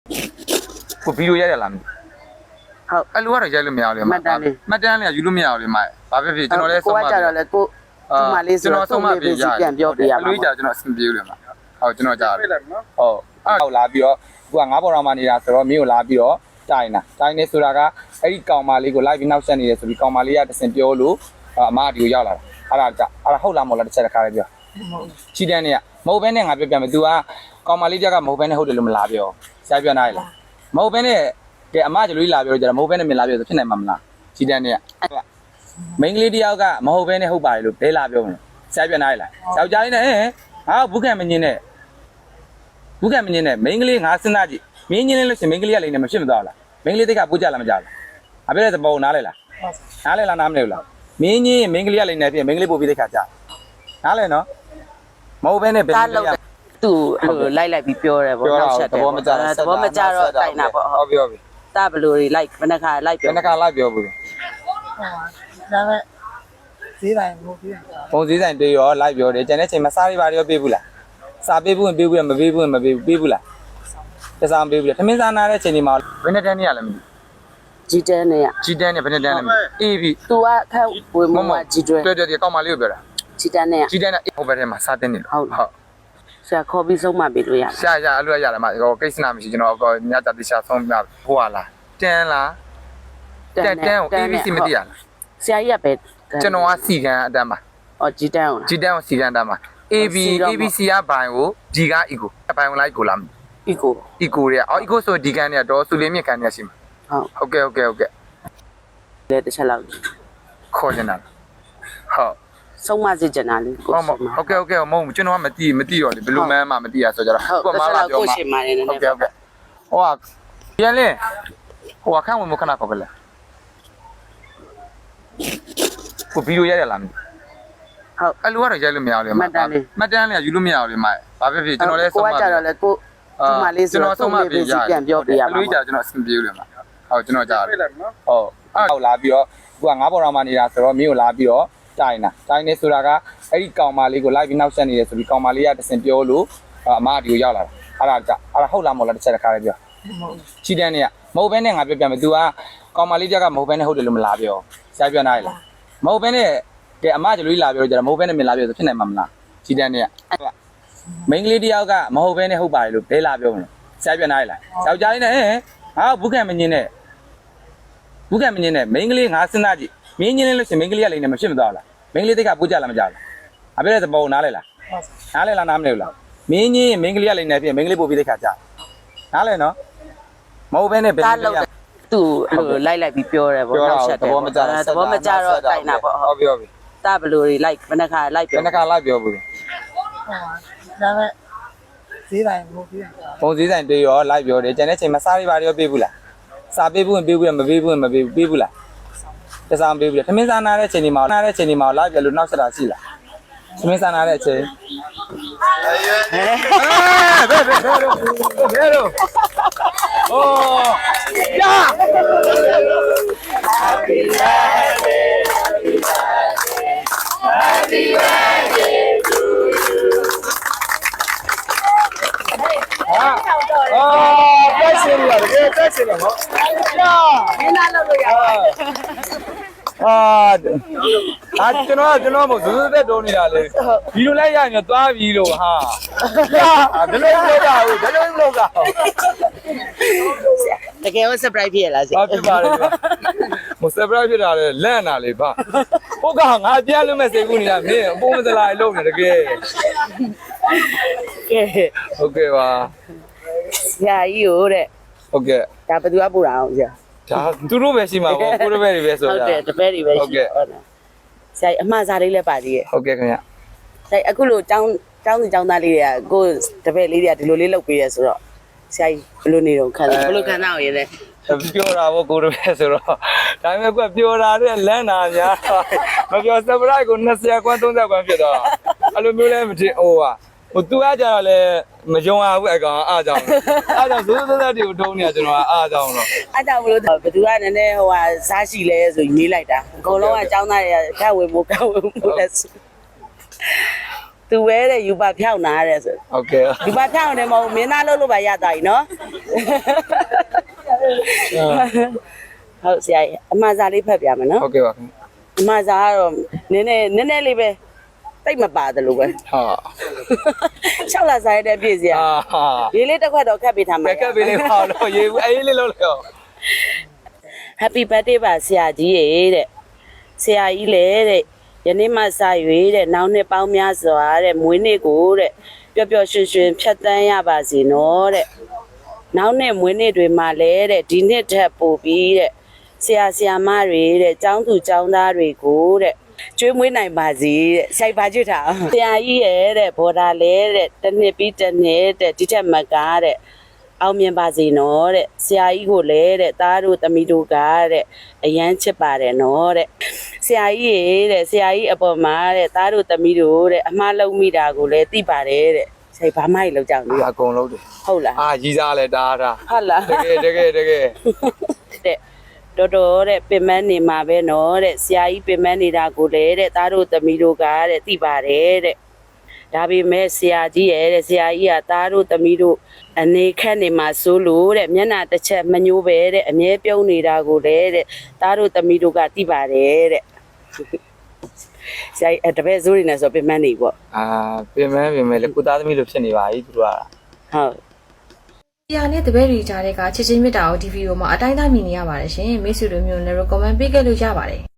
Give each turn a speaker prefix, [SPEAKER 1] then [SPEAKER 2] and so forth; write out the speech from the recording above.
[SPEAKER 1] ကိုဗီဒီယိုရိုက်ရလားမသိ
[SPEAKER 2] ဟုတ်
[SPEAKER 1] အဲ့လိုကတော့ရိုက်လို့မရဘူးလေမှတ်တမ်းလေးယူလို့မရဘူးလေမှဘာဖြစ်ဖြစ်ကျွန်တော်လည်းဆုံးမ
[SPEAKER 2] ကိုကကြတော့လေကိုဒီမှာလေးဆိုတော့ဆုံးမပေးစီပြန်ပြောပြရမှာ
[SPEAKER 1] လူကြီးကြကျွန်တော်အဆင်ပြေလို့လေမှဟုတ်ကျွန်တော်ကြားတယ်ဟုတ်အဲ့လာပြီးတော့သူကငါးပေါ်တော်မှနေတာဆိုတော့မင်းကိုလာပြီးတော့တိုင်နေဆိုတာကအဲ့ဒီကောင်မလေးကိုလိုက်ပြီးနောက်ဆက်နေတယ်ဆိုပြီးကောင်မလေးကတစင်ပြောလို့အမကဒီကိုရောက်လာတာအဲ့ဒါဟုတ်လားမဟုတ်လားတစ်ချက်တစ်ခါလေးပြောချီတန်းနေကမဟုတ်ဘဲနဲ့ငါပြောပြမယ် तू ကကောင်မလေးကမဟုတ်ဘဲနဲ့ဟုတ်တယ်လို့မလားပြောဆရာပြောနိုင်လားမဟုတ်ဘဲနဲ့ကဲအမကျလူကြီးလာပြောကြတယ်မဟုတ်ဘဲနဲ့မလာပြောဆိုဖြစ်နိုင်မှာမလားချီတန်းနေကမိန်းကလေးတယောက်ကမဟုတ်ဘဲနဲ့ဟုတ်ပါတယ်လို့ဘဲလာပြောမလို့ဆရာပြောနိုင်လားယောက်ျားလေးနဲ့ဟာဘူးခံမငင်းနဲ့မိန်းကလေးငါစဉ်းစားကြည့်မင်းငင်းလို့ရှင်မိန်းကလေးကလည်းမဖြစ်မသွားလားမိန်းကလေးတိတ်ကပူကြလားမကြလားအပြည့်တဲ့သဘောနားလဲလားနားလဲလားနားမလဲဘူးလားမင်းကြီးမိန်းကလေးကလည်းနေဖြစ်မိန်းကလေးပို့ပြီးတဲ့ခါကြာနားလဲနော်မဟုတ်ဘဲနဲ့ဘယ်လိုလဲ
[SPEAKER 2] သူလိုက်ပြီးပြောတယ်ဗောနောက်ချက်တယ်သဘောမကျတော့တိုင်တာဗော
[SPEAKER 1] ဟုတ်ပြီ
[SPEAKER 2] တာဘလူတွေလိုက်ဘယ်နှခါလိုက်ပြော
[SPEAKER 1] ဘယ်နှခါလိုက်ပြောဘူး
[SPEAKER 3] ဒါပဲဈေးတိုင်းမဟုတ်ဘူး
[SPEAKER 1] ပုံစည်းဆိုင်တေးရောလိုက်ပြောတယ်ကျန်တဲ့ချိန်မှာစားရပါရောပေးဘူးလားစားပေးဘူးရင်ပေးဘူးမပေးဘူးရင်မပေးဘူးပေးဘူးလားတစားမပေးဘူးလေထမင်းစားနာတဲ့ချိန်ဒီမှာဘယ်နဲ့တန်းနေရလဲမသိ
[SPEAKER 2] ကြီးတန်းနဲ့
[SPEAKER 1] ကြီးတန်းနဲ့ဘယ်နဲ့တန်းလဲမသိအေးပြီ
[SPEAKER 2] तू ကခက်ဝေမမကြီးတွဲ
[SPEAKER 1] တွေ့ကောက်မလေးကိုပြောတာ
[SPEAKER 2] ကြီးတန်းနဲ့
[SPEAKER 1] ဟိုဘက်ထဲမှာစားတင်နေလို့ဟုတ်
[SPEAKER 2] ဆရာခေါ်ပြီးဆုံးမပေးလို့ရ
[SPEAKER 1] ရအလွတ်ရတယ်မဟိုကိစ္စနာမရှိကျွန်တော်ညတာတိရှာဆုံးပြဟိုဟာလားတန်းလားတန်းကို ABC မသိရလား
[SPEAKER 2] ဆရာကြီးကပဲ
[SPEAKER 1] ကျွန်တော်ကစီကံအတန်းပါ
[SPEAKER 2] အော်ကြီးတန်း
[SPEAKER 1] ကိုစီကံအတန်းပါ ABC ကဘိုင်ကိုဒီက eco ဘိုင်ကိုလိုက်ကိုလား
[SPEAKER 2] eco
[SPEAKER 1] တွေကeco ဆိုဒီကန်เนี่ยတော့စူလေးမြင့်ကန်เนี่ยရှိမှာဟုတ်ကဲ့
[SPEAKER 2] လေတစ်ချက်လောက်
[SPEAKER 1] ခေါ်နေတာဟုတ်
[SPEAKER 2] ဆုံးမစစ်ကျင်တာလေ
[SPEAKER 1] ကိုဟုတ်ကဲ့မဟုတ်ကျွန်တော်ကမသိတော့လေဘလူးမန်းမှမသိရဆိုကြတော့
[SPEAKER 2] ကိုမလာပြောမှာဟုတ်ကဲ့
[SPEAKER 1] ဟိုကပြန်လေဟိုအခန့်ဝင်မခဏခေါ်ပဲလေကိုဗီဒီယိုရိုက်ရလားမသိ
[SPEAKER 2] ဟုတ်
[SPEAKER 1] အဲ့လိုကတော့ရိုက်လို့မရဘူးလေမှတ်တမ်းလေးယူလို့မရဘူးလေမှဘာဖြစ်ဖြစ်ကျွန်တော်လည်း
[SPEAKER 2] ဆုံးမကိုကကြတော့လေကိုဒီမှာလေးဆိုတော့ဆုံးမပေးစီပြန်ပြောပြရမှာ
[SPEAKER 1] လူကြီးကြကျွန်တော်အဆင်ပြေလို့လေမှဟုတ်ကျွန်တော်ကြားတယ်ဟုတ်အဲ့လာပြီးတော့သူကငါးပေါ်တော်မှနေတာဆိုတော့မင်းကိုလာပြီးတော့တိုင်နေဆိုတာကအဲ့ဒီကောင်မလေးကိုလိုက်ပြီးနောက်ဆက်နေတယ်ဆိုပြီးကောင်မလေးကတစင်ပြောလို့အမကဒီကိုရောက်လာတာအဲ့ဒါဟုတ်လားမဟုတ်လားတစ်ချက်တစ်ခါလေးပြောချီတန်းနေကမဟုတ်ဘဲနဲ့ငါပြောပြမယ် तू ကကောင်မလေးကမဟုတ်ဘဲနဲ့ဟုတ်တယ်လို့မလားပြောဆရာပြောနိုင်လားမဟုတ်ဘဲနဲ့ကဲအမကျလူကြီးလာပြောကြတယ်မဟုတ်ဘဲနဲ့မလာပြောဆိုဖြစ်နိုင်မှာမလားချီတန်းနေကမိန်းကလေးတယောက်ကမဟုတ်ဘဲနဲ့ဟုတ်ပါတယ်လို့ဘဲလာပြောမလို့ဆရာပြောနိုင်လားယောက်ျားလေးနဲ့ဟာဘူးခံမငင်းနဲ့မိန်းကလေးငါစဉ်းစားကြည့်မင်းငင်းလို့ရှင်မိန်းကလေးကလည်းမဖြစ်မသွားလားမိန်းကလေးတိတ်ကပူကြလားမကြလားအပြည့်တဲ့သဘောနားလဲလားနားလဲလားနားမလဲဘူးလားမင်းကြီးမိန်းကလေးကလည်းနေဖြစ်မိန်းကလေးပို့ပြီးတဲ့ခါကြာနားလဲနော်မဟုတ်ဘဲနဲ့ဘယ်လိုလဲ
[SPEAKER 2] သူလိုက်ပြီးပြောတယ်ဗောနောက်ချက်တယ်သဘောမကျတော့တိုင်တာဗော
[SPEAKER 1] ဟုတ်ပြီ
[SPEAKER 2] တာဘလူတွေလိုက်ဘယ်နှခါလိုက်ပြော
[SPEAKER 1] ဘယ်နှခါလိုက်ပြောဘူး
[SPEAKER 3] ဒါပဲဈေးတိုင်းမဟုတ်ဘူး
[SPEAKER 1] ပုံစည်းဆိုင်တေးရောလိုက်ပြောတယ်ကျန်တဲ့ချိန်မှာစားရပါရောပေးဘူးလားစားပေးဘူးရင်ပေးဘူးမပေးဘူးရင်မပေးဘူးပေးဘူးလားတစားမပေးဘူးလေထမင်းစားနာတဲ့ချိန်ဒီမှာလိုက်ပြလို့နောက်ဆက်တာရှိလားထမင်းစားနာတဲ့အချိန်ဘယ်လိုโอ้ยา Happy birthday Happy birthday to you တက်ရှင်ရတကယ်တက်ရှင်ရနော်
[SPEAKER 2] မင်းသားလုပ်လို့ရတယ်
[SPEAKER 1] ကျွန်တော်မို့ဇွတ်သက်တုံးနေတာလေဒီလိုလိုက်ရရင်သွားပြီလို့ဟာဒါလည်းမလုပ်တာဘူးဒါလည်းမလုပ်တာ
[SPEAKER 2] တကယ်ကို surprise ဖြစ်ရလား
[SPEAKER 1] ဆရာဖြစ်ပါလေမ surprise ဖြစ်တာလေလန့်တာလေဗျဟုတ်ကငါပြန်လို့မဲ့စိတ်ကူးနေတာမင်းအပေါ်မစလာလုံးနေတကယ်ဟုတ်ကဲ့ပါ
[SPEAKER 2] ဆရာကြီးကိုတဲ့
[SPEAKER 1] ဟုတ်ကဲ့
[SPEAKER 2] ဒါဘယ်သူကပို့တာအောင်ဆရာ
[SPEAKER 1] ဒါသူတို့ပဲရှိမှာပေါ့ကိုတို့ပဲတွေပဲဆိုတာ
[SPEAKER 2] ဟုတ်တယ်တပည့်တွေပဲရှိဟုတ်ဆရာအမှားစားလေးလည်းပါသေးရဲ့
[SPEAKER 1] ဟုတ်ကဲ့ခင်ဗျ
[SPEAKER 2] ဆရာအခုလိုကျောင်းသူကျောင်းသားလေးတွေကကိုတပည့်လေးတွေကဒီလိုလေးလုပ်ပေးရဆိုတော့ဆရာကြီးဘယ်လိုနေတော့ခံစားဘယ်လိုခံစားအောင်ရလဲ
[SPEAKER 1] ပြောတာပေါ့ကိုတို့ပဲဆိုတော့ဒါပေမဲ့ကွပြောတာတဲ့လန့်တာများမပြော surprise ကို20ခွန်း30ခွန်းဖြစ်တော့အဲ့လိုမျိုးလဲမထင်ဟိုသူကကြတော့လေမယုံရဘူးအကောင်အားကြောင့်ဇိုးတွေကိုထုံးနေတာကျွန်တော်ကအားကြောင့်တော့
[SPEAKER 2] အားကြောင့်မလို့ဘယ်သူကနည်းနည်းစားရှိလဲဆိုရေးလိုက်တာအကုန်လုံးကចောင်းသားတွေကကဝေမိုးလဲသူပဲတဲ့ယူပါဖြောင်းနာတဲ့ဆို
[SPEAKER 1] ဟုတ်ကဲ့
[SPEAKER 2] ယူပါဖြောင်းတယ်မဟုတ်မင်းသားလို့လို့ပါရတာကြီးနော်ဟုတ်ဆရာအမှားစားလေးဖတ်ပြမယ်နော်
[SPEAKER 1] ဟုတ်ကဲ့ပါခင်
[SPEAKER 2] အမှားစားကတော့နည်းနည်းလေးပဲတိတ်မပါတယ်လို့ပဲ
[SPEAKER 1] ဟာ
[SPEAKER 2] 6လစားရတဲ့ပြည့်စရာ
[SPEAKER 1] ဟာ
[SPEAKER 2] ရေးလေးတစ်ခွက်တော့ခတ်ပေးထားမှာ
[SPEAKER 1] ကက်ပေးလေးပါတော့ရေးဘူးအေးလေးလို့လေ
[SPEAKER 2] Happy birthday ပါဆရာကြီးရေတဲ့ဆရာကြီးလေတဲ့ယနေ့မှစ၍တဲ့နောက်နှစ်ပေါင်းများစွာတဲ့မွေးနေ့ကိုတဲ့ပျော်ပျော်ရွှင်ရွှင်ဖြတ်သန်းရပါစေနော်တဲ့နောက်နှစ်မွေးနေ့တွေမှာလည်းတဲ့ဒီနှစ်ထက်ပိုပြီးတဲ့ဆရာဆရာမတွေတဲ့ကျောင်းသူကျောင်းသားတွေကိုတဲ့ကျွေးမွေးနိုင်ပါစေတဲ့စိုက်ပါကျွတ်တာဆရာကြီးရဲ့တဲ့ဘော်ဒါလဲတဲ့တစ်နှစ်ပြီးတစ်နှစ်တဲ့ဒီထက်မကားတဲ့အောင်မြင်ပါစေနော်တဲ့ဆရာကြီးကိုလည်းတဲ့သားတို့သမီးတို့ကတဲ့အရန်ချစ်ပါတယ်နော်တဲ့ဆရာကြီးရေတဲ့ဆရာကြီးအပေါ်မှာတဲ့သားတို့သမီးတို့တဲ့အမှားလုံးမိတာကိုလည်းသိပါတယ်တဲ့ဆရာဘာမှမလောက်ကြောင်
[SPEAKER 1] ဒီ
[SPEAKER 2] ဘူး
[SPEAKER 1] အကုန်လုံးတယ်
[SPEAKER 2] ဟုတ်လား
[SPEAKER 1] အာကြီးစားလဲတားတာ
[SPEAKER 2] ဟုတ်လား
[SPEAKER 1] တကယ်
[SPEAKER 2] တဲ့တော်တော်တဲ့ပင်မနေမှာပဲနော်တဲ့ဆရာကြီးပင်မနေတာကိုလည်းတဲ့သားတို့သမီးတို့ကတဲ့သိပါတယ်တဲ့ဒါပေမဲ့ဆရာကြီးရဲ့တဲ့ဆရာကြီးကသားတို့သမီးတို့အနေခက်နေမှာစိုးလို့တဲ့မျက်နှာတစ်ချက်မညိုးပဲတဲ့အမြဲပြုံးနေတာကိုလည်းတဲ့သားတို့သမီးတို့ကသိပါတယ်တဲ့ဆရာကြီးတပည့်စိုးနေနေဆိုပင်မနေပေါ့
[SPEAKER 1] အာပြင်မဲလေကိုသားသမီးလိုဖြစ်နေပါပြီသူတို့က
[SPEAKER 2] ဟုတ်
[SPEAKER 4] ဆရာနဲ့တပည့်တွေကြားတဲ့ကချစ်ချင်းမြတ်တာကိုဒီဗီဒီယိုမှာအတိုင်းအတာမြင်နေရပါတယ်ရှင်မိတ်ဆွေတို့မျိုးလည်း comment ပေးခဲ့လို့ရပါတယ်